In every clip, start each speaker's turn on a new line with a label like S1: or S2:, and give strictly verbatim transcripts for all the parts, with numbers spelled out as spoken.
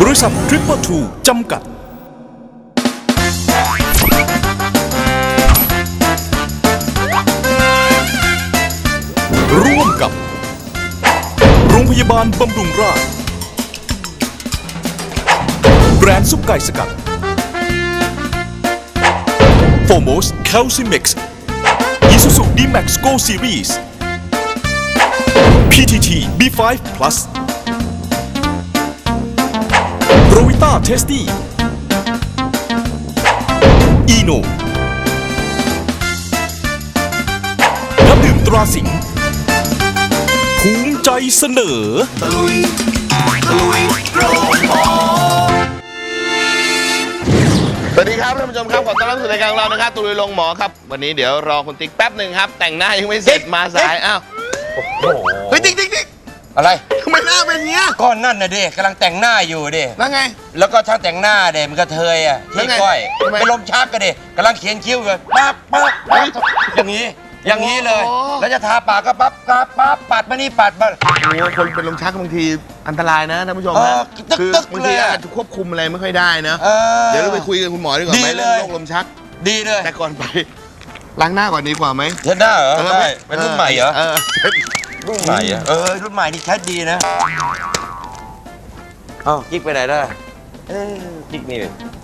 S1: บริษัททริปเปอร์ทูจำกัดร่วมกับโรงพยาบาลบำรุงราษฎร์แบรนด์ซุปไก่สกัดโฟโมสแคลซิเม็กซ์อีซูซูดีแม็กซ์โกซีรีส์ พี ที ที บี ไฟว์ Plus โรวิต้าเทสตี้อีโนน้ำดื่มตราสิงห์ภูมิใจเสนอตะลุยตะลุยโรงหมอ
S2: สวัสดีครับท่านผู้ชมครับขอต้อนรับสู่รายการของเรานะครับตะลุยโรงหมอครับวันนี้เดี๋ยวรอคุณติ๊กแป๊บหนึ่งครับแต่งหน้ายังไม่เสร็จมาสายอ้าวเฮ้ยติ๊กติ๊กติ๊ก
S3: อะไร
S2: ทำไมหน้าเป็นเงี้ย
S3: ก้อนนั่นน่ะเด็กกำลังแต่งหน้าอยู่เด็ก
S2: แล้วไง
S3: แล้วก็ช่างแต่งหน้าเด็กมันกระเทยอ่ะที่ก้อยเป็นลมชักกันเด็กกำลังเขียนคิ้วอยู่ปั๊บปั๊บปั๊บอย่างนี้อย่างนี้เลยแล้วจะทาปากก็ปั๊บปั๊บปั๊บปัดมานี่ปัดมา
S2: โอ้คนเป็นลมชักบางทีอันตรายนะท่านผู้ชมนะคือบางทีอาจจะควบคุมอะไรไม่ค่อยได้นะเดี๋ยวเราไปคุยกับคุณหมอดีกว่าไหมเรื่องโรคลมชัก
S3: ดีเลย
S2: แต่ก่อนไปล้างหน้าก่อนดีกว่าไหม
S3: เช็ดหน้าเหรอใช่เป็นรุ่นใหม่เหรอรุ่นใหม่อ่ะเออรุ่นใหม่นี่ใช้ดีนะเอ้ากิ๊กไปไหนได้เออกิ๊กนี่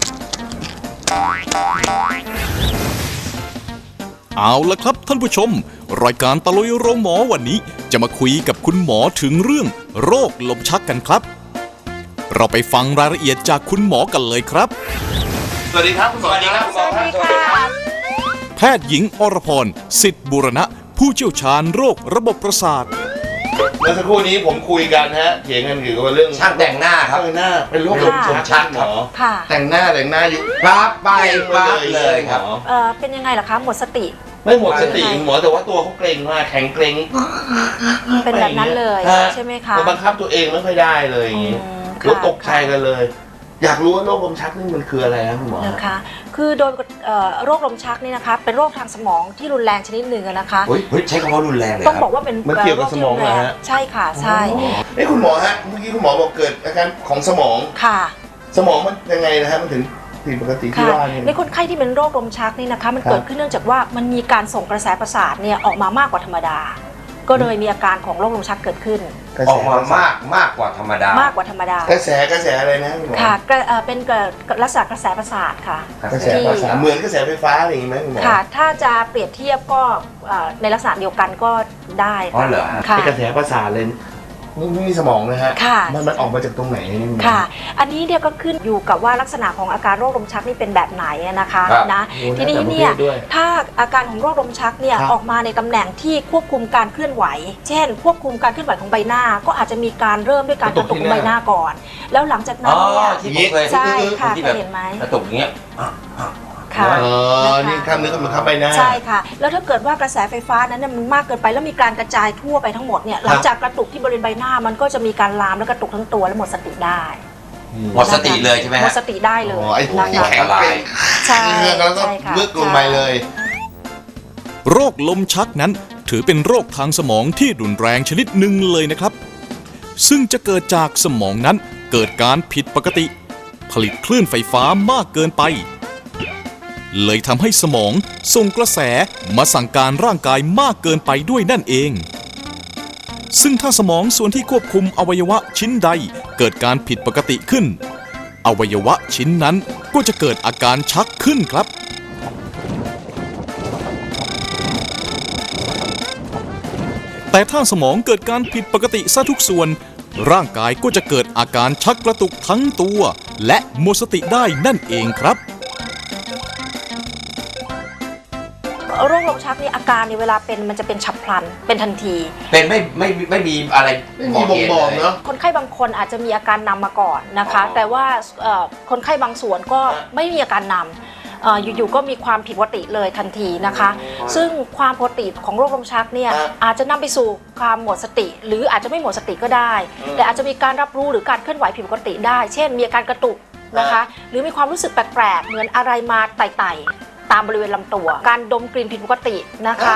S1: เอาละครับท่านผู้ชมรายการตะลุยโรงหมอวันนี้จะมาคุยกับคุณหมอถึงเรื่องโรคลมชักกันครับเราไปฟังรายละเอียดจากคุณหมอกันเลยครับ
S2: สวัสดีครับคุณหมอ
S3: สวัสดีครับสวัสดีค่ะ
S1: แพทย์หญิงอรพรสิทธิบูรณะผู้เชี่ยวชาญโรคระบบประสาท
S2: เมื่อสักครู่นี้ผมคุยกันฮะเถียงกันเกี่ยวกับเรื่อง
S3: ช่างแต่งหน้าครับ
S2: แต่งหน้าเป็นโรคลมชักหมอแต่งหน้าแต่งหน้าอยู่
S3: ปั๊บไปปั๊บเลยครับ
S4: เออเป็นยังไงล่ะคะหมดสติ
S2: ไม่หมดสติหมอแต่ว่าตัวเขาเกร็งมากแข็งเกร็ง
S4: เป็นแบบนั้นเลยใช่ไหมคะ
S2: บังคับตัวเองไม่ค่อยได้เลยอย่างนี้ก็ตกใจกันเลยอยากรู้ว่าโรคลมชักนี่มันคืออะไรนะคุณหมอ
S4: นะคะคือโดยโรคลมชักนี่นะคะเป็นโรคทางสมองที่รุนแรงชนิดหนึ่งนะคะ
S3: เฮ้ยใช้คำว่ารุนแรงเลย
S4: ต้องบอกว่าเป็น
S2: มันเกี่ยวกับสมองนะฮะ
S4: ใช่ค่ะใช่
S2: ไอ้คุณหมอฮะเมื่อกี้คุณหมอบอกเกิดอาการของสมอง
S4: ค่ะ
S2: สมองมันยังไงนะฮะมันถึงผิดปกติที่ว่า
S4: ในคนไข้ที่เป็นโรคลมชักนี่นะคะมันเกิดขึ้นเนื่องจากว่ามันมีการส่งกระแสประสาทเนี่ยออกมามากกว่าธรรมดาก็เลยมีอาการของโรคลมชักเกิดขึ้น
S3: ออกมามากมากกว่าธรรมดาม
S4: ากกว่าธรรมดาก
S2: ระแสกระแสอะไรนะคุณหมอ
S4: ค่ะเป็นลักษณะกระแสประสาทค่ะ
S2: กระแสประสาทเหมือนกระแสไฟฟ้าอะไรอย่างนี้ไหมคุณหมอ
S4: ค่ะถ้าจะเปรียบเทียบก็ในลักษณะเดียวกันก็ได้
S3: อ๋อเหรอ
S2: เป็นกระแสประสาทเลยนี่มีสมองนะฮะมันมันออกมาจากตรงไหนนี่
S4: ค่ะอันนี้เนี่ยก็ขึ้นอยู่กับว่าลักษณะของอาการโรคลมชักนี่เป็นแบบไหนนะคะนะทีนี้เนี่ยถ้าอาการของโรคลมชักเนี่ยออกมาในตำแหน่งที่ควบคุมการเคลื่อนไหวเช่นควบคุมการเคลื่อนไหวของใบหน้าก็อาจจะมีการเริ่มด้วยการกระตุกของใบหน้าก่อนแล้วหลังจากนั้นเนี่ยใช่ค่ะเคยเห็นไหม
S3: กระตุกอย่างเงี้ย
S4: ค่ะ
S2: อ๋อนี่ข้ามเนื้อข้ามเข้าไปหน้า
S4: ใช่ค่ะแล้วถ้าเกิดว่ากระแสไฟฟ้านั้นมันมากเกินไปแล้วมีการกระจายทั่วไปทั้งหมดเนี่ยหลังจากกระตุกที่บริเวณใบหน้ามันก็จะมีการลามและกระตุกทั้งตัวและหมดสติได้
S3: หมดสติเลยใช่ไหม
S4: หมดสติได้เลย
S2: ไอ้พวกที่แข็งเกร็ง
S4: ใช่
S2: แล้วก็ลึกลงไปเลย
S1: โรคลมชักนั้นถือเป็นโรคทางสมองที่รุนแรงชนิดหนึ่งเลยนะครับซึ่งจะเกิดจากสมองนั้นเกิดการผิดปกติผลิตคลื่นไฟฟ้ามากเกินไปเลยทำให้สมองส่งกระแสมาสั่งการร่างกายมากเกินไปด้วยนั่นเองซึ่งถ้าสมองส่วนที่ควบคุมอวัยวะชิ้นใดเกิดการผิดปกติขึ้นอวัยวะชิ้นนั้นก็จะเกิดอาการชักขึ้นครับแต่ถ้าสมองเกิดการผิดปกติซะทุกส่วนร่างกายก็จะเกิดอาการชักกระตุกทั้งตัวและหมดสติได้นั่นเองครับ
S4: โรคลมชักนี่อาการในเวลาเป็นมันจะเป็นฉับพลันเป็นทันที
S3: เป็นไม่ไม่ไม่มีอะไร
S2: บอกบอกเนาะ
S4: คนไข้บางคนอาจจะมีอาการนำมาก่อนนะคะแต่ว่าคนไข้บางส่วนก็ไม่มีอาการนำอยู่ๆก็มีความผิดปกติเลยทันทีนะคะซึ่งความผิดปกติของโรคลมชักเนี่ยอาจจะนำไปสู่ความหมดสติหรืออาจจะไม่หมดสติก็ได้แต่อาจจะมีการรับรู้หรือการเคลื่อนไหวผิดปกติได้เช่นมีอาการกระตุกนะคะหรือมีความรู้สึกแปลกๆเหมือนอะไรมาไต่ๆตามบริเวณลำตัวการดมกลิ่นผิดปกตินะคะ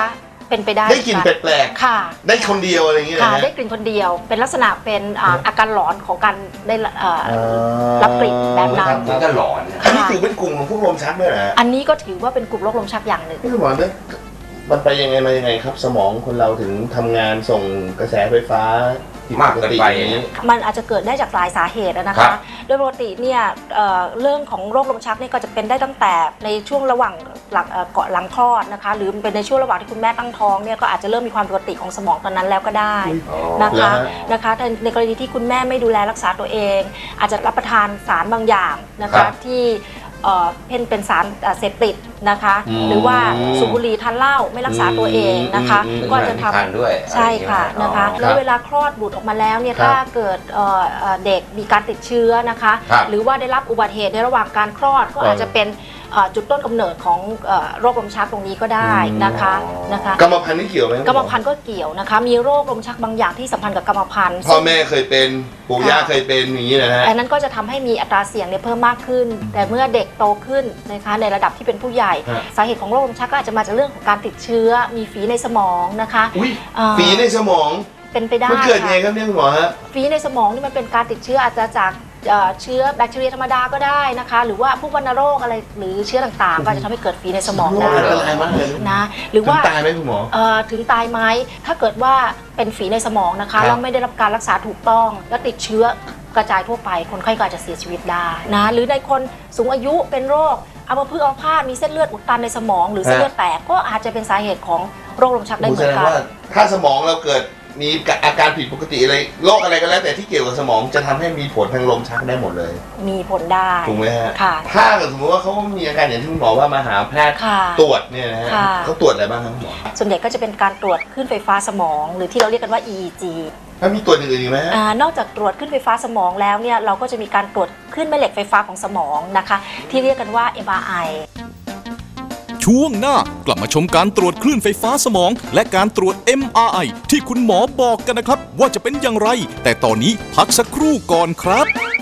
S4: เป็นไปได้
S2: ได้กลิ่นแปลก
S4: ค่ะ
S2: ๆได้คนเดียวอะไรอย่างเงี้ย
S4: ค่ะ
S2: นะฮะ
S4: ได้กลิ่นคนเดียว เป็นลักษณะเป็นอ่าอาการหลอนของการได้เอ่อรับกลิ่นแบบนั้น
S3: มันก็หลอนนะ
S2: อันนี้ถือเป็นกลุ่มของพวกลมชักด้วยนะฮะ
S4: อันนี้ก็ถือว่าเป็นกลุ่มโรคลมชักอย่างหนึ่ง
S2: พี่สมรเนี่ยมันไปยังไงมายังไงครับ สมองคนเราถึงทำงานส่งกระแสไฟฟ้าผิด
S3: มาก
S2: ป
S3: เกิน
S2: ติ
S3: ไป
S2: อย่างนี้
S4: มันอาจจะเกิดได้จากหลายสาเหตุนะ
S3: ครั
S4: คะ
S3: บ
S4: โดยปกติเนี่ยเอ่อเรื่องของโรคลมชักนี่ก็จะเป็นได้ตั้งแต่ในช่วงระหว่างหลังเอ่อเกาะหลังคลอดนะคะ หรือเป็นในช่วงระหว่างที่คุณแม่ตั้งท้องเนี่ยก็อาจจะเริ่มมีความผิดปกติของสมองตอนนั้นแล้วก็ได้นะคะนะคะแต่ในกรณีที่คุณแม่ไม่ดูแลรักษาตัวเอง อาจจะรับประทานสารบางอย่างนะ
S3: ครั
S4: คะ
S3: บ
S4: ที่เอ่อเป็นเป็นสารเอ่อเสพติดนะคะ
S2: อืม
S4: หรือว่าสูบบุหรี่ทานเหล้าไม่รักษาตัวเองนะคะ
S2: อืม
S4: ก็จะทำ
S3: ทานด้วย
S4: ใช่ค่ะ
S3: อะไรอย่างเงี้ย
S4: นะคะ
S3: อ๋อ
S4: แล้วเวลาคลอดบุตรออกมาแล้วเนี่ย
S2: ครับ
S4: ถ้าเกิดเอ่อเอ่อเด็กมีการติดเชื้อนะคะ
S3: ครับ
S4: หรือว่าได้รับอุบัติเหตุในระหว่างการคลอดก็อาจจะเป็นเอ่อจุดต้นกำเนิดของเอ่อโรคลมชักตรงนี้ก็ได้นะคะนะคะ
S2: กรรมพันธุ์นี่เกี่ยวไหม
S4: กรรมพันธุ์ก็เกี่ยวนะคะ มีโรคลมชักบางอย่างที่สัมพันธ์กับกรรมพันธุ์
S2: พ่อแม่เคยเป็นปู่ย่าเคยเป็นอย่างนี้นะฮะ
S4: อันนั้นก็จะทำให้มีอัตราเสี่ยงเนี่ยเพิ่มมากขึ้น แต่เมื่อเด็กโตขึ้นนะคะในระดับที่เป็นผู้ใหญ่
S2: ฮะ
S4: สาเหตุของโรคลมชักก็อาจจะมาจากเรื่องของการติดเชื้อ มีฝีในสมองนะคะ
S2: อุ้ย
S4: เอ่อ
S2: ฝีในสมอง
S4: เป็นไปได้
S2: มันเกิด
S4: ค่ะ
S2: ไงครับเนี่ยคุณหมอฮะ
S4: ฝีในสมองนี่มันเป็นการติดเชื้ออาจจะจากเอ่อเชื้อแบคทีเรียธรรมดาก็ได้นะคะ หรือว่าพวกวัณโรคอะไรหรือเชื้อต่างๆ ก็อาจจะทำให้เกิดฝีในสมอง
S2: โรค
S4: ได้
S2: อันตรายมากเลย
S4: นะหรือว่า
S2: ถึงตายไหมคุณหมอ
S4: เอ่อถึงตายไหมถ้าเกิดว่าเป็นฝีในสมองนะ
S2: ครั
S4: คะ
S2: บ
S4: แล้วไม่ได้รับการรักษาถูกต้อง แล้วติดเชื้อกระจายทั่วไปคนไข้ก็อาจจะเสียชีวิตได้นะหรือในคนสูงอายุเป็นโรคอัมพฤกษ์อัมพาตมีเส้นเลือดอุดตันในสมอง หรือเส้นเลือดแตกก็อาจจะเป็นสาเหตุของโรคลมชักได้
S2: ผม
S4: เห
S2: แส
S4: มือ
S2: ด
S4: น
S2: ง
S4: กัน
S2: ว่าถ้าสมองเราเกิดมีอาการผิดปกติอะไรโรคอะไรก็แล้วแต่ที่เกี่ยวกับสมองจะทำให้มีผลทางลมชักได้หมดเลย
S4: มีผลได้
S2: ถูกไหมฮะ
S4: ค่ะ
S2: ถ้าเกิดสมมติว่าเขามีอาการอย่างที่คุณหมอว่ามาหาแพทย์
S4: ค่ะ
S2: ตรวจเนี่ยนะฮะ
S4: ค่ะ
S2: เขาตรวจอะไรบ้างครับคุณหมอ
S4: ส่วนใหญ่ก็จะเป็นการตรวจคลื่นไฟฟ้าสมอง หรือที่เราเรียกกันว่า อี อี จี
S2: แล้วมีตรวจอื่นๆอีกไหมฮะ
S4: อ่านอกจากตรวจคลื่นไฟฟ้าสมองแล้วเนี่ยเราก็จะมีการตรวจคลื่นแม่เหล็กไฟฟ้าของสมองนะคะที่เรียกกันว่า เอ็ม อาร์ ไอ
S1: ช่วงหน้ากลับมาชมการตรวจคลื่นไฟฟ้าสมอง และการตรวจ เอ็ม อาร์ ไอ ที่คุณหมอบอกกันนะครับ ว่าจะเป็นอย่างไร แต่ตอนนี้พักสักครู่ก่อนครับ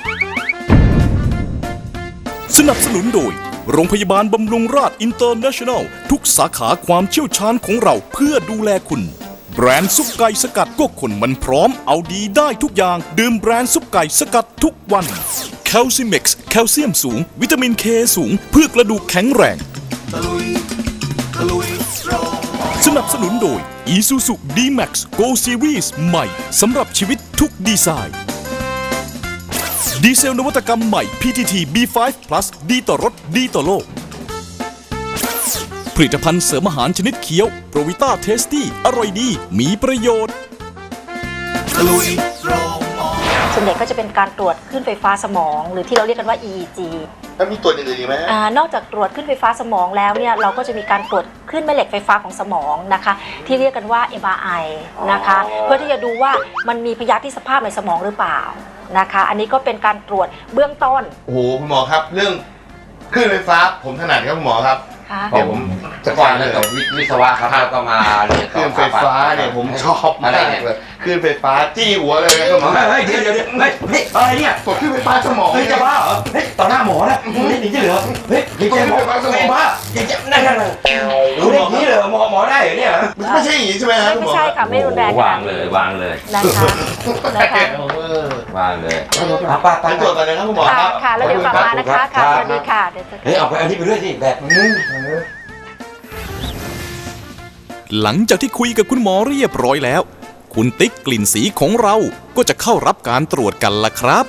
S1: สนับสนุนโดย โรงพยาบาลบำรุงราษอินเตอร์เนชั่นแนล ทุกสาขาความเชี่ยวชาญของเราเพื่อดูแลคุณ แบรนด์ซุปไก่สกัดก็คนมันพร้อมเอาดีได้ทุกอย่าง ดื่มแบรนด์ซุปไก่สกัดทุกวันแคลซิเม็กซ์แคลเซียมสูง วิตามินเคสูง เพื่อกระดูกแข็งแรง สนับสนุนโดย Isuzu ดี แม็กซ์ Go Series ใหม่สำหรับชีวิตทุกดีไซน์ดีเซลนวัตกรรมใหม่ พี ที ที บี ไฟว์ plus ดีต่อรถดีต่อโลก ผลิตภัณฑ์เสริมอาหารชนิดเคี้ยวโปรวิต้าเทสตี้อร่อยดีมีประโยชน์
S4: ส่วนใหญ่ก็จะเป็นการตรวจคลื่นไฟฟ้าสมอง หรือที่เราเรียกกันว่า อี อี จี
S2: แล้วมีตรวจอื่นๆอีกไหมฮะ
S4: อ่านอกจากตรวจคลื่นไฟฟ้าสมองแล้วเนี่ยเราก็จะมีการตรวจคลื่นแม่เหล็กไฟฟ้าของสมองนะคะที่เรียกกันว่า เอ็ม อาร์ ไอ นะคะเพื่อที่จะดูว่ามันมีพยาธิสภาพในสมองหรือเปล่านะคะอันนี้ก็เป็นการตรวจเบื้องต้น
S2: โอ้โหคุณหมอครับ เรื่องคลื่นไฟฟ้าผมถนัดครับคุณหมอครับ
S4: ค่ะ
S2: เดี๋ยวผม
S3: แต่ก่อนเรื่องกับวิศวะครับแล้วก็มาเรียน
S2: คลื่นไฟฟ้าเนี่ยผมชอบมากเลยคลื่นไฟฟ้าจี้หัวเลยครับคุณหมอ
S3: เฮ้ยเดี๋ยวเดี๋ยวเดี๋ยวเฮ้ยเฮ้ยอะไรเนี่ย
S2: ตรวจคลื่นไฟฟ้าสมอง
S3: เฮ้ยจะบ้าเหรอเฮ้ยต่อหน้าหมอนะนี่หนีจะเหลือเฮ้ยหนีจะหมอไม่บ้าอย่าจะนั่นนั่นรู้ได้นี้เหรอหมอหมอได้เหรอเนี่ย
S2: ไม่ใช่อย่างนี้ใช่ไหมครับคุณหม
S4: ไม่
S2: อ
S4: ใช่ค่ะไม่รุนแรงข
S3: วา
S4: นาด
S3: งเล
S4: นี้
S3: ยวางเลย
S4: นะคะนะคะ
S2: เออ
S3: วางเลยป้าป้า
S2: ไปตรวจก่อนนะครับคุณหมอค
S4: ค่ะ
S2: รับ
S4: ค่ะแล้วเดี๋ยวกลับมานะคะค่ะสวัสดีค่ะเดี๋ยวจะ
S3: เฮ้ยเอาไปอันนี้ไปด้วยสิแบบ
S2: อืม
S1: หลังจากที่คุยกับคุณหมอเรียบร้อยแล้ว คุณติ๊กกลิ่นสีของเราก็จะเข้ารับการตรวจกันละครับ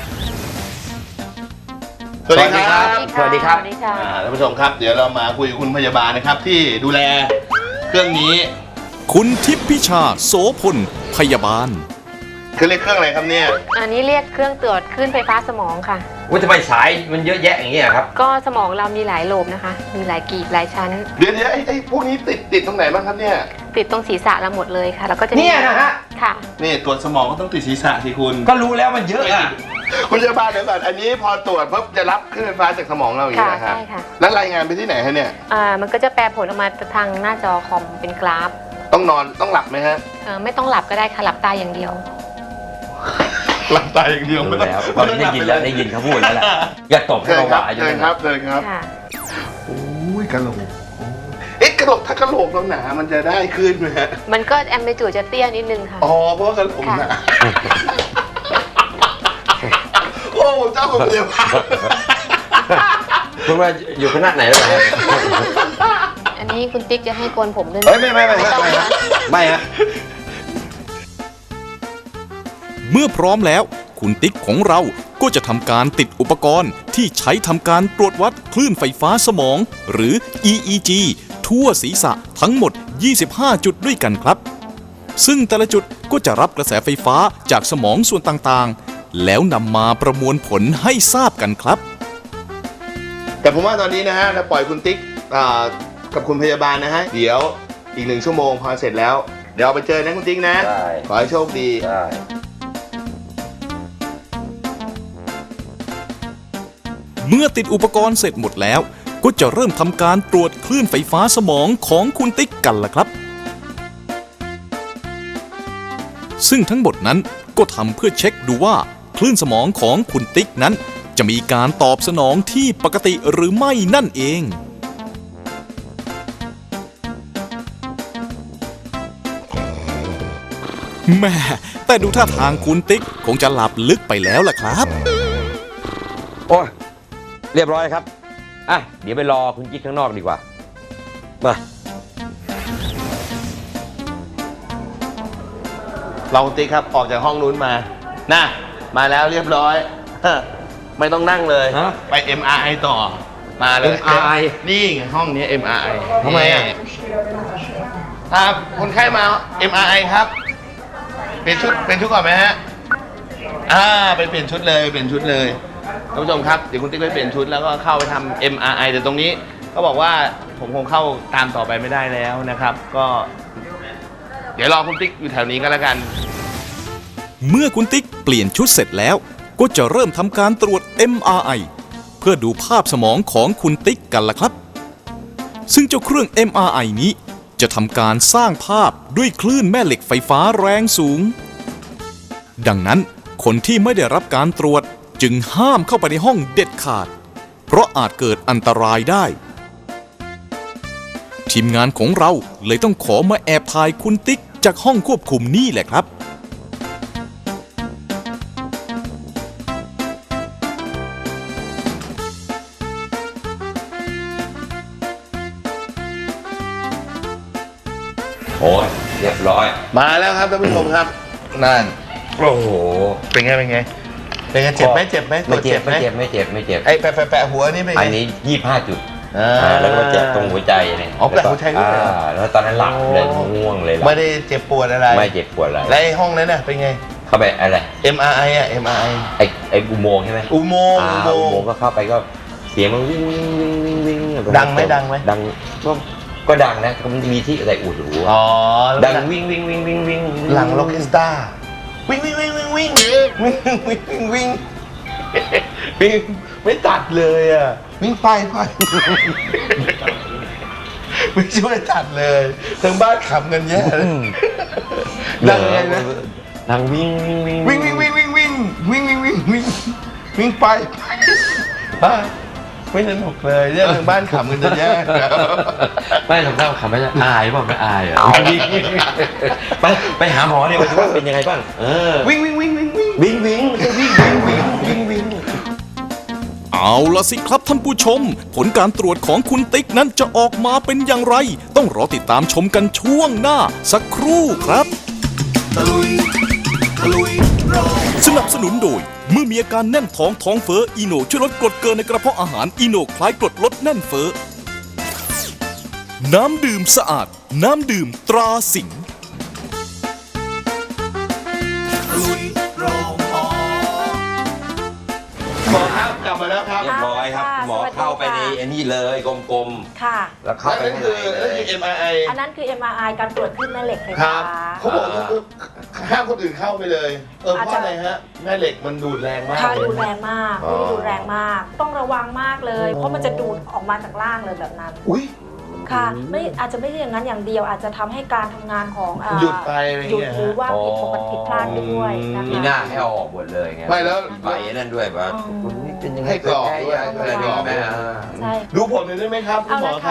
S2: สวัสดีครับ
S3: สวัสดีครับ
S4: สวัสดีค่ะ
S2: อ่าท่านผู้ชมครับเดี๋ยวเรามาคุยกับคุณพยาบาลนะครับ ที่ดูแลเครื่องนี้
S1: คุณทิพย์พิชาโสพลพยาบาล
S2: คือเรียกเครื่องอะไรครับเนี่ย
S5: อันนี้เรียกเครื่องตรวจคลื่นไฟฟ้าสมองค่ะ
S3: ว่าทำไมสายมันเยอะแยะอย่างเงี้ยครับ
S5: ก็สมองเรามีหลายโลบนะคะ มีหลายกีบหลายชั้น
S2: เดี๋ยวเดี๋ยวไอ้ไอ้พวกนี้ติดติดตรงไหนบ้างครับเนี่ย
S5: ติดตรงศีรษะเราหมดเลยค่ะ แล้วก็จะมี
S3: เนี่ยนะฮะ
S5: ค่ะ
S2: นี่ตรวจสมองก็ต้องติดศีรษะสิคุณ
S3: ก็รู้แล้วมันเยอะอ่ะ
S2: คุณพยาบาลเดี๋ยวก่อนอันนี้พอตรวจปุ๊บจะรับคลื่นไฟฟ้าจากสมองเราอย่าง
S5: ค่ะ
S2: นี้นะครั
S5: ใช่
S2: บ
S5: ค่ะ
S2: แล้วรายงานไปที่ไหนฮะเนี่ย
S5: อ่ามันก็จะแปลผลออกมาทางหน้าจอคอมเป็นกราฟ
S2: ต้องนอนต้องหลับไหมฮะ
S5: เอ่อไม่ต้องหลับก็ได้ค่ะ หลับตาอย่างเดียว
S2: หลับตาอย่างเดียว
S3: รู้
S2: ไม่ต้อง
S3: แล้วตอนนี้ได้ยินแล้วได้ยินเขาพูดแล้วแหละอย่าตบให้
S2: เชิญ
S3: เรา
S2: ครับ
S3: หวาอยู่
S2: เชิญ
S3: เลย
S2: ครับเชิญครับ
S5: ค่ะ
S2: โอ้ยกระโหลกเอ๊ะกระโหลโหลกถ้ากระโหลกเราหนามันจะได้ขึ้นไหมฮะ
S5: มันก็แอมไปจูดจะเตี้ยนิดนึงค่ะ
S2: อ๋อเพราะว่ากระโหลกหนาโอ้เจ้าคุณพยาบาล
S3: คุณว่าอยู่คณะไหนแล้วเหรอ
S5: อันนี้คุณติ๊กจะให้โกนผมด้วยไหม
S3: เฮ้ยไม่ไม่ไม่ไม่
S5: ต้อง
S3: ไม่
S5: นะ
S3: ไม่ฮะ
S1: เมื่อพร้อมแล้วคุณติ๊กของเราก็จะทำการติดอุปกรณ์ที่ใช้ทำการตรวจวัดคลื่นไฟฟ้าสมองหรือ อี อี จี ทั่วศีรษะทั้งหมด ยี่สิบห้า จุดด้วยกันครับ ซึ่งแต่ละจุดก็จะรับกระแสไฟฟ้าจากสมองส่วนต่างๆ แล้วนำมาประมวลผลให้ทราบกันครับ
S2: แต่ผมว่าตอนนี้นะฮะเราปล่อยคุณติ๊กอ่ากับคุณพยาบาลนะฮะเดี๋ยวอีกหนึ่งชั่วโมงพอเสร็จแล้วเดี๋ยวเอาไปเจอนะคุณติ๊กนะ
S3: ได้
S2: ขอให้โชคดี
S3: ได้
S1: เมื่อติดอุปกรณ์เสร็จหมดแล้ว ก็จะเริ่มทำการตรวจคลื่นไฟฟ้าสมองของคุณติ๊กกันล่ะครับ ซึ่งทั้งหมดนั้นก็ทำเพื่อเช็คดูว่าคลื่นสมองของคุณติ๊กนั้น จะมีการตอบสนองที่ปกติหรือไม่นั่นเองแม่แต่ดูท่าทางคุณติ๊กคงจะหลับลึกไปแล้วล่ะครับ
S3: โอ้ยเรียบร้อยครับอ่ะเดี๋ยวไปรอคุณกิ๊กข้างนอกดีกว่ามา
S2: เราคุณติ๊กครับออกจากห้องนู้นมาน่ะมาแล้วเรียบร้อย ไม่ต้องนั่งเลย
S3: ฮะ
S2: ไป เอ็ม อาร์ ไอ ต่อมาเลย
S3: เอ็ม อาร์ ไอ
S2: นี่ไงห้องนี้ เอ็ม อาร์ ไอ
S3: ทำไมอ่ะ
S2: ครับคนไข้มา เอ็ม อาร์ ไอ ครับเปลี่ยนชุดเปลี่ยนชุดก่อนไหมฮะอ่าไปเปลี่ยนชุดเลยเปลี่ยนชุดเลยท่านผู้ชมครับเดี๋ยวคุณติ๊กไปเปลี่ยนชุดแล้วก็เข้าไปทำ เอ็ม อาร์ ไอ แต่ตรงนี้เขาบอกว่าผมคงเข้าตามต่อไปไม่ได้แล้วนะครับ ก็เดี๋ยวรอคุณติ๊กอยู่แถวนี้ก็แล้วกัน
S1: เมื่อคุณติ๊กเปลี่ยนชุดเสร็จแล้ว ก็จะเริ่มทำการตรวจ เอ็ม อาร์ ไอ เพื่อดูภาพสมองของคุณติ๊กกันล่ะครับ ซึ่งเจ้าเครื่อง เอ็ม อาร์ ไอ นี้จะทำการสร้างภาพด้วยคลื่นแม่เหล็กไฟฟ้าแรงสูง ดังนั้นคนที่ไม่ได้รับการตรวจจึงห้ามเข้าไปในห้องเด็ดขาด เพราะอาจเกิดอันตรายได้ ทีมงานของเราเลยต้องขอมาแอบถ่ายคุณติ๊กจากห้องควบคุมนี่แหละครับ
S3: โอ้ยเรียบร้อย
S2: มาแล้วครับท่านผู้ชมครับนั่น
S3: โอ้โห
S2: เป็นไงเป็นไงเป็นไงเจ็บไหมเจ็บไหม
S3: ไม่เจ็บ
S2: ไหม
S3: ไม่เจ็บไม่เจ็บไม่เจ็บ
S2: ไอ้แปะแปะแปะหัวนี่เป็นไง
S3: อันนี้ยี่สิบห้าจุด
S2: อ่า
S3: อ่าแล้วก็เจ็บตรงหัวใจเนี่ย
S2: อ๋อแปะหัวใจด้วยเหรอ
S3: อ่าแล้วตอนนั้นหลับเลยง่วงเลยหลับ
S2: ไม่ได้เจ็บปวดอะไร
S3: ไม่เจ็บปวดอะไร
S2: และไอ้ห้องนั้นน่ะเป็นไง
S3: เข้าไปอะไร
S2: เอ็ม อาร์ ไอ อ่ะ เอ็ม อาร์ ไอ
S3: ไอ้ไอ้อุโมงค์ใช่ไหม
S2: อุโมงค์
S3: อ่า
S2: อุ
S3: อุ
S2: โม
S3: โม
S2: ง
S3: ง
S2: ค์
S3: ค์ก็เข้าไปก็เสียงมันวิ่งวิ่งวิ่งวิ่งวิ่ง
S2: ดังไหมดังไหม
S3: ดังก็ก็ดังนะมันจะมีที่อะไรอุดหู
S2: อ๋อ
S3: ดังวิ่งวิ่งวิ่งวิ่งวิ่ง
S2: หลังล็อกสตาร์วิ่งวิ่งวิ่งวิ่งวิ่งวิ่งวิ่งวิ่งวิ่งวิ่งไม่ตัดเลยอ่ะวิ่งไปไปไม่ช่วยตัดเลยทั้งบ้านขำกันแย่เลยดังไงนะ
S3: ดังวิ่งวิ่งวิ่ง
S2: วิ่งวิ่งวิ่งวิ่งวิ่งวิ่งวิ่งวิ่งวิ่งวิ่งไปไปไม่สนุกเลยเนี่ยทางบ้านขำกันจะแย่
S3: ไม่ทำได้ขำไม่ได้อายป่ะไม่อายอ่ะไปไปหาหมอเนี่ยว่าเป็นยังไงบ้างเออ
S2: วิ่งวิ่งวิ่งวิ่งวิ่ง
S3: วิ่งวิ่งวิ่งวิ่งวิ่งวิ่งวิ่ง
S1: เอาละสิครับท่านผู้ชม ผลการตรวจของคุณติ๊กนั้นจะออกมาเป็นอย่างไร ต้องรอติดตามชมกันช่วงหน้าสักครู่ครับ สนับสนุนโดย เมื่อมีอาการแน่นท้องท้องเฟ้ออีโนช่วยลดกรดเกินในกระเพาะอาหารอีโนคล้ายกรดลดแน่นเฟ้อน้ำดื่มสะอาด น้ำดื่มตราสิงห์
S2: หมอครับกลับมาแล้วครับ
S3: เรียบร้อยครับ หมอเข้าไปในอันนี้เลยกลม
S4: ค่ะ
S3: ๆแล้วเข้าไป
S2: นั่น
S3: ข้าง
S2: คือ
S3: ในเล
S2: นั่น
S3: ย
S2: คือ เอ็ม อาร์ ไอ
S4: อันนั้นคือ เอ็ม อาร์ ไอ การตรวจคลื่นแม่เหล็กไฟ
S2: ค
S4: ฟ้า
S2: รับเขาบอกว่าห้ามคนอื่นเข้าไปเลย เออเพ
S4: อาจ
S2: ราะ
S4: จะ
S2: อะไรฮะแม่เหล็กมันดูดแรงมาก
S4: ค่ะ
S2: เลย
S4: ดูแรงมาก
S3: อ๋อ
S4: ดูแรงมาก ต้องระวังมากเลย เพราะมันจะดูดออกมาจากล่างเลยแบบนั้น
S2: อุ้ย
S4: ค่ะไม่อาจจะไม่ใช่อย่างนั้นอย่างเดียวอาจจะทำให้การทำงานของอ่า
S2: หยุดไปอะไร
S4: หยุด
S2: เงี้ย
S4: หรือ
S2: ฮะ
S4: ว่าผิดปกติผิดพลาดไปด้วยนะคะ
S3: มีหน้าให้เอาออกหมดเลยไง
S2: ไม่แล้ว
S3: ใบนั่นด้วยป่ะคุณนี่เป็นยังไง
S2: ให้กรอกด้วย
S3: อะไรนี่แม่อ่า
S4: ใช่
S2: ดูผลหน่อยได้ไหมครับคุ
S4: เอา
S2: ณหมอ
S4: ละ
S2: ครั
S4: ค่ะ
S2: บ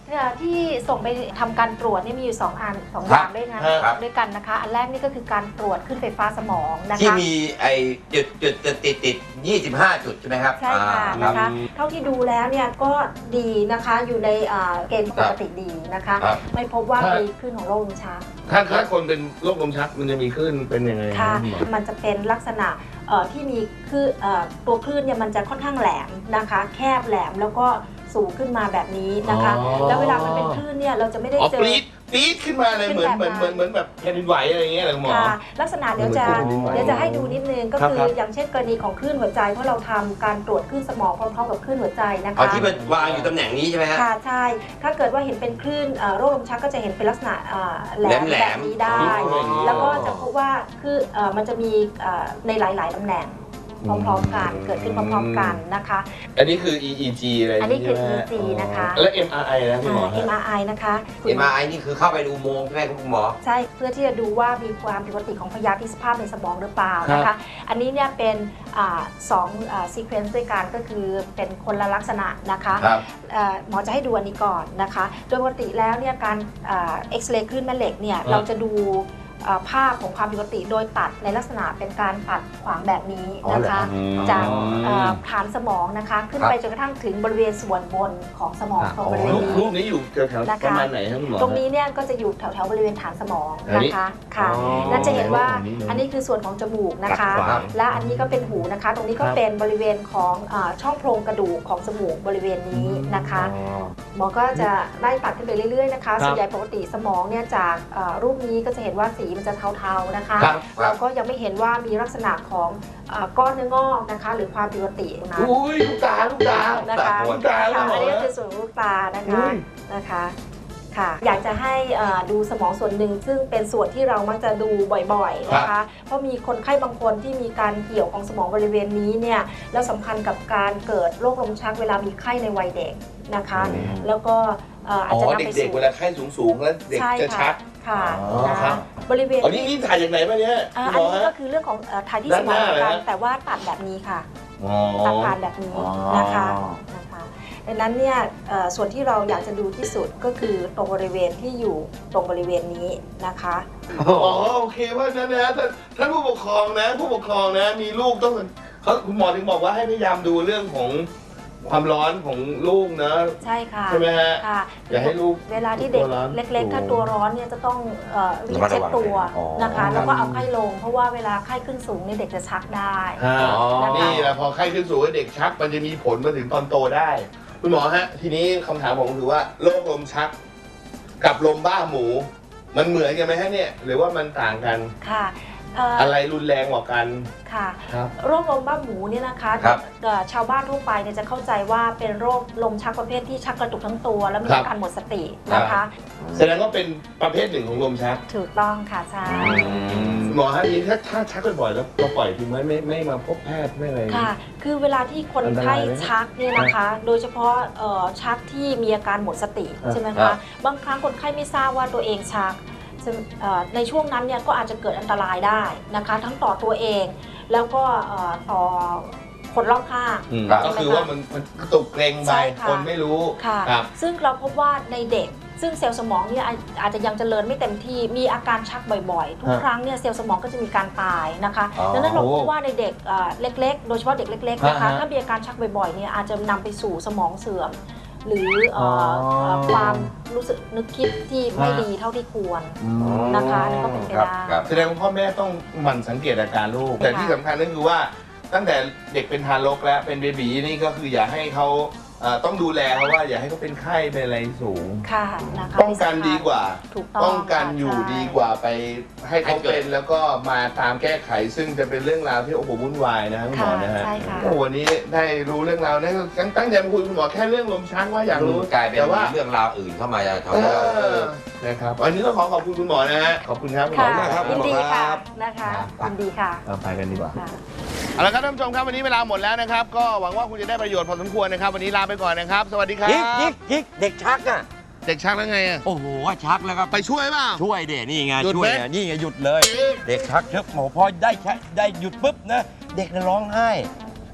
S4: ที่ส่งไปทำการตรวจนี่มีอยู่สองอันสองอ
S3: ครับ
S4: ย่างด้วยนะครับ ด้วยกันนะคะ อันแรกนี่ก็คือการตรวจขึ้นไฟฟ้าสมองนะคะ
S3: ที่มีไอ้จุดจุดจุดติดติดยี่สิบห้าจุดใช่ไหมครับ
S4: ใช่ค่ะ
S3: อ่า
S4: นะคะ
S3: รับ
S4: เท่าที่ดูแล้วเนี่ยก็ดีนะคะอยู่ในอ่าเกณฑ์ปกติดีนะคะ
S3: ครับ
S4: ไม่พบว่า
S2: ครับ
S4: มีคลื่นของโรคลมชัก
S2: ถ้าถ้าคนเป็นโรคลมชักมันจะมีคลื่นเป็นยังไง
S4: ค่ะ
S2: ณหมอ
S4: มันจะเป็นลักษณะเอ่อที่มีคือเอ่อตัวคลื่นเนี่ยมันจะค่อนข้างแหลมนะคะ แคบแหลมแล้วก็สูงขึ้นมาแบบนี้นะคะ
S2: อ๋อ
S4: แล้วเวลามันเป็นคลื่นเนี่ยเราจะไม่ได้
S2: อ๋อ
S4: เจ
S2: ป
S4: อ
S2: รี๊ดปรี๊ดขึ้นมาเลย
S4: ขึ้
S2: เหมือน
S4: นแบบ
S2: เหมือนเหมือนเหมือนแบบแผ่นดินไหวอะไรอย่างเงี้ยเหรอคุณหมอ
S4: ค่ะลักษณะเดี๋ยวจะ
S2: เหมือนคลื่น
S4: เดี๋ยวจะให้ดูนิดนึงก็
S2: ครับ
S4: คือ
S2: ครับ
S4: อย่างเช่นกรณีของคลื่นหัวใจเพราะเราทำการตรวจคลื่นสมองพร้อมๆกับคลื่นหัวใจนะคะ
S3: เอาที่มันวางอยู่ตำแหน่งนี้ใช่ไหมฮะ
S4: ค่ะใช่ ถ้าเกิดว่าเห็นเป็นคลื่นเอ่อโรคลมชักก็จะเห็นเป็นลักษณะเอ่อแหลม
S3: แหล
S4: แบ
S3: ม
S4: บ
S3: ๆ
S4: นี้ได้
S3: อ๋อ
S4: แล้วก็จะพบว่าคือเอ่อมันจะมีเอ่อในหลาย ๆ ตำแหน่งพร้อม ๆ กัน เกิดขึ้นพร้อม ๆ กันนะคะ
S2: อันนี้คือ อี อี จี อะไร
S4: อันนี้คือ
S2: ใช่ไหม
S4: อี จี นะคะ
S2: แล้ว เอ็ม อาร์ ไอ นะคุณหมอ
S4: เอ็ม
S2: ฮะ
S4: อาร์ ไอ นะคะ
S3: เอ็มอาร์ไอนี่คือเข้าไปดูอุโมงค์ใช่ไหมคุณหมอ
S4: ใช่ เพื่อที่จะดูว่ามีความผิดปกติของพยาธิสภาพในสมองหรือเปล่า
S2: ครับ
S4: นะคะ อันนี้เนี่ยเป็นอ่าสองซีเควนซ์ด้วยกันก็คือเป็นคนละลักษณะนะคะ
S2: ครับ
S4: เอ่อหมอจะให้ดูอันนี้ก่อนนะคะ โดยปกติแล้วเนี่ยการเอ็กซเรย์คลื่นแม่เหล็กเนี่ย
S2: ครับ
S4: เราจะดูเอ่อภาพของความผิดปกติโดยตัดในลักษณะเป็นการตัดขวางแบบนี้นะคะ
S2: อ๋อเหรอครับ
S4: จาก
S2: อืม
S4: เอ่อฐานสมองนะคะ ขึ้น
S3: ครับ
S4: ไปจนกระทั่งถึงบริเวณส่วนบนของสมองตรงบริเวณ
S2: รูป
S4: นี้
S2: รูปนี้อยู่แถว
S4: นะคะ
S2: ๆประมาณไหนครับคุณหมอ
S4: ตรงนี้เนี่ยก็จะอยู่แถวๆบริเวณฐานสมอง
S2: อันนี้
S4: นะคะค่ะ
S2: อ๋อ
S4: นั่นจะเห็นว่า
S2: อันนี้นะ
S4: อันนี้คือส่วนของจมูกนะคะ
S2: ตัดขวาง
S4: และอันนี้ก็เป็นหูนะคะ ตรงนี้ก็
S2: ครับ
S4: เป็นบริเวณของเอ่อช่องโพรงกระดูกของจมูกบริเวณนี้นะคะ
S2: อ๋อ
S4: หมอก็จะไล่ตัดขึ้นไปเรื่อยๆนะคะ
S2: ครับ
S4: ส่วนใหญ่ปกติสมองเนี่ยจากเอ่อรูปนี้ก็จะเห็นว่าสีมันจะเทาๆนะคะ
S2: ครับ
S4: เราก็ยังไม่เห็นว่ามีลักษณะของเอ่อก้อนเนื้องอกนะคะ หรือความผิดปกตินะ
S2: อุ้ยลูกตาลูกตา
S4: นะคะ
S2: ลูกตา
S4: ค่ะ
S2: ลูก
S4: อันนี้ก็
S2: ตา
S4: คือส่วนของลูกตานะ
S2: อุ้
S4: คะ
S2: ย
S4: นะคะค่ะอยากจะให้เอ่อดูสมองส่วนหนึ่งซึ่งเป็นส่วนที่เรามักจะดูบ่อยๆนะคะ เพราะมีคนไข้บางคนที่มีการเกี่ยวของสมองบริเวณนี้เนี่ยแล้วสัมพันธ์กับการเกิดโรคลมชักเวลามีไข้ในวัยเด็กนะคะ แล้วก็เอ่ออาจ
S2: อ๋อ
S4: จะนำไป
S2: เด็ก
S4: สู่
S2: ๆเวลาไข้สูงๆแล้วเด็ก
S4: ใช่
S2: จะชั
S4: ค่ะ
S2: ก
S4: ค่ะ
S2: อ๋อ
S4: นะครับ บริเวณ
S2: อ๋อนี่นี่ถ่ายจากไหนมาเนี่ย
S4: อ่า
S2: คุณหมอ
S4: อันนี้
S2: ฮะ
S4: ก็คือเรื่องของเอ่อถ่ายที่ส
S2: ด้าน
S4: ม
S2: ห
S4: อง
S2: น้า
S4: เหมือนกัน
S2: เลยนะ
S4: แต่ว่าตัดแบบนี้ค่ะ
S2: อ๋อ
S4: ตัดผ่านแบบนี้
S2: อ๋อ
S4: นะคะนะคะดังนั้นเนี่ยเอ่อส่วนที่เราอยากจะดูที่สุดก็คือตรงบริเวณที่อยู่ตรงบริเวณนี้นะคะ
S2: อ๋อโอเคว่านั้นนะท่านท่านผู้ปกครองนะ ผู้ปกครองนะ มีลูกต้องเขาคุณหมอถึงบอกว่าให้พยายามดูเรื่องของความร้อนของลูกนะ
S4: ใช่ค่ะ
S2: ใช่ไหมฮะ
S4: ค่ะ
S2: อย่าให้ลูก
S4: เวลาที่เด็ก
S2: ตัวร้อน
S4: เล็กๆ ถ้าตัวร้อนเนี่ยจะต้องเอ่อรีบ
S3: ระมัด
S4: เช็ด
S3: ระวัง
S4: ตัว
S3: อ๋อ
S4: นะคะ แล้วก็เอาไข้ลง เพราะว่าเวลาไข้ขึ้นสูงเนี่ยเด็กจะชักได้
S2: ฮะ
S3: อ๋อ
S2: นี่แหละพอไข้ขึ้นสูงเด็กชักมันจะมีผลมาถึงตอนโตได้ คุณหมอฮะ ทีนี้คำถามผมคือว่าโรคลมชัก กับลมบ้าหมู มันเหมือนกันไหมฮะเนี่ย หรือว่ามันต่างกัน
S4: ค่ะเอ่ออ
S2: อะไรรุนแรงกว่ากัน
S4: ค่ะ
S2: ครับ
S4: โรคลมบ้าหมูเนี่ยนะคะ
S3: ครับ
S4: เอ่อชาวบ้านทั่วไปเนี่ยจะเข้าใจว่าเป็นโรคลมชักประเภทที่ชักกระตุกทั้งตัว แล้วมี
S2: ครับ
S4: อาการหมดสตินะคะ
S2: แสดงว่าเป็นประเภทหนึ่งของลมชัก
S4: ถูกต้องค่ะใช่
S2: หมอฮะทีนี้ถ้าถ้าชักบ่อยๆแล้วเราปล่อยทิ้งไว้ไม่ไม่มาพบแพทย์ไม่อะไร
S4: ค่ะ คือเวลาที่คนไข้ชักเนี่ยนะคะ โดยเฉพาะเอ่อชักที่มีอาการหมดสติ
S2: ครับ
S4: ใช่ไหม
S3: ครั
S4: คะ
S3: บ
S4: บางครั้งคนไข้ไม่ทราบว่าตัวเองชักซึ่งเอ่อในช่วงนั้นเนี่ยก็อาจจะเกิดอันตรายได้นะคะ ทั้งต่อตัวเอง แล้วก็เอ่อต่อคนรอบข้าง
S2: อืม
S3: ครับ
S2: ก็คือว่ามันมันกระตุกเกรงไป
S4: ใช่ค่ะ
S2: คนไม่รู้
S4: ค่ะ
S2: ครับ
S4: ซึ่งเราพบว่าในเด็ก ซึ่งเซลล์สมองเนี่ยอาอาจจะยังเจริญไม่เต็มที่มีอาการชักบ่อยๆ ทุก
S2: ฮะ
S4: ครั้งเนี่ยเซลล์สมองก็จะมีการตายนะคะ
S3: อ๋อ
S4: ดังนั้นเราพบว่าในเด็กเอ่อเล็กๆ โดยเฉพาะเด็กเล็กๆนะคะ
S2: ฮะฮะ
S4: ถ้ามีอาการชักบ่อยๆเนี่ยอาจจะนำไปสู่สมองเสื่อม หรือเอ่อ
S2: อ
S4: เอ่อความรู้สึกนึกคิดที่ไม่
S2: ฮะ
S4: ดีเท่าที่ควร นะคะอันนี้ก็เป็นไป
S3: ครับ
S4: ได้
S3: ครับ
S2: แสดงว่าพ่อแม่ต้องหมั่นสังเกตอาการลูก แต่ที่สำคัญก็คือว่าตั้งแต่เด็กเป็นทารกแล้วเป็นเบบีนี่ก็คืออย่าให้เขาเอ่อต้องดูแลเขาว่าอย่าให้เขาเป็นไข้เป็นอะไรสูง
S4: ค่ะนะคะ
S2: ป้องกันดีกว่า
S4: ถูกต้อง
S2: ป้องกัน
S4: ค่ะ
S2: อยู่
S4: ใช่
S2: ดีกว่าไปให้เขา
S3: ให้เกิด
S2: เป็นแล้วก็มาตามแก้ไข ซึ่งจะเป็นเรื่องราวที่โอ้โหวุ่นวายนะคุณหมอนะฮะ
S4: ใช่ค่ะ
S2: โอ้โหวันนี้ได้รู้เรื่องราวนะตั้งตั้งใจมาคุยกับคุณหมอแค่เรื่องลมชักว่าอยากรู้
S3: กลายเป็น
S2: แต่ว่า
S3: เรื่องราวอื่นเข้ามาจะทำ
S2: เอ
S3: ให้เราเอ
S2: อ
S3: อ
S2: นะครับวันนี้ต้องขอขอบคุณคุณหมอนะฮะขอบคุณครับคุณหม
S4: ค่ะ
S2: อมากครับ
S4: ยินดี
S3: ครั
S4: ค่ะ
S3: บ
S4: นะคะยินดีค่ะ
S2: เราไปกันดีกว่า
S4: ค่ะ
S2: เอาละครับท่านผู้ชมครับวันนี้เวลาหมดแล้วนะครับ ก็หวังว่าคุณจะได้ประโยชน์พอสมควรนะครับ วันนี้ลาไปก่อนนะครับ สวัสดีครับ
S3: ยิกยิกยิกเด็กชักอ่ะ
S2: เด็กชักแล้วไงอะ
S3: โอ้โหชักแล้วก็
S2: ไปช่วยเปล่า
S3: ช่วยเด็นี่ไง
S2: หยุด
S3: ช่
S2: ไหม
S3: วยไงนี่ไงหยุดเลย เด็กชักเถอะหมอพอได้ใช้ได้หยุดปุ๊บนะ เด็กน่ะร้องไห้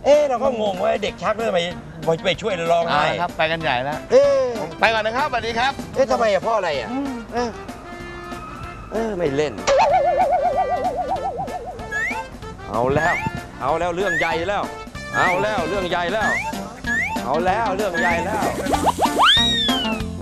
S3: เอ๊ะเราก็งงว่าเด็กชักแล้วทำไมไปช่วยร้อง
S2: อ่า
S3: ไห้
S2: ครับไปกันใหญ่แล้ว
S3: เอ๊ะ
S2: ไปก่อนนะครับสวัสดีครับ
S3: เอ๊ะทำไมอะเพ่ออะไรอะเออเออไม่เล่น เอาแล้ว เอาแล้วเรื่องใหญ่แล้ว เอาแล้วเรื่องใหญ่แล้ว เอาแล้วเรื่องใหญ่แล้ว